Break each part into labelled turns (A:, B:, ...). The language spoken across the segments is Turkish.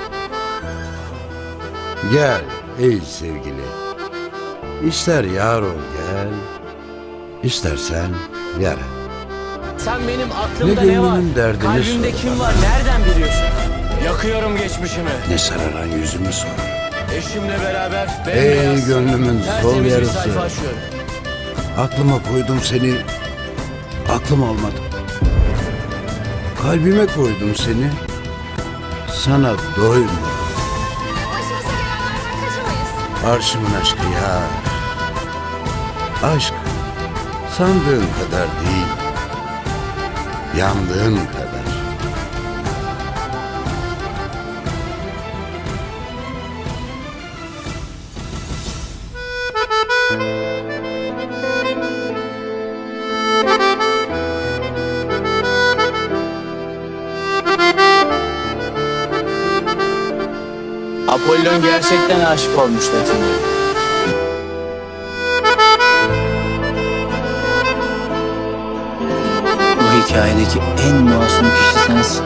A: Gel ey sevgili. İster yar ol gel, istersen yara.
B: Sen benim
A: Ne
B: aklımda ne var?
A: gönlünün derdini
B: Kalbimde
A: sor
B: kim
A: bana.
B: var? Nereden biliyorsun? Yakıyorum geçmişimi.
A: Ne sararan yüzümü sor.
B: Eşimle beraber
A: Ey
B: bembeyaz,
A: gönlümün sol
B: tertemiz bir
A: yarısı.
B: sayfa açıyorum.
A: Aklıma koydum seni, aklım almadı. Kalbime koydum seni, sana doymadım.
C: Başımıza gelenlerden kaçamayız.
A: Arşımın aşkı ya. Aşk sandığın kadar değil, yandığın kadar.
B: Apollon gerçekten aşık olmuş Defne'ye. Bu hikayedeki en masum kişi sensin.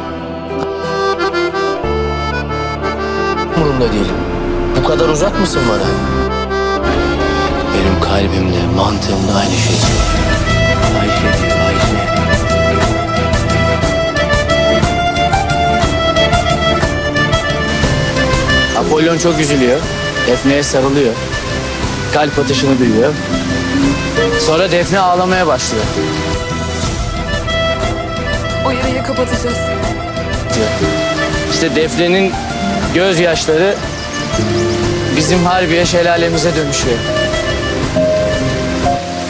B: Umurumda değilim. Bu kadar uzak mısın bana? Benim kalbimde, mantığımda aynı şey. Ayşe diyor, Ayşe. Apollon çok üzülüyor. Defne'ye sarılıyor. Kalp atışını duyuyor. Sonra Defne ağlamaya başlıyor.
C: O yarayı kapatacağız.
B: İşte Defne'nin gözyaşları bizim Harbiye şelalemize dönüşüyor.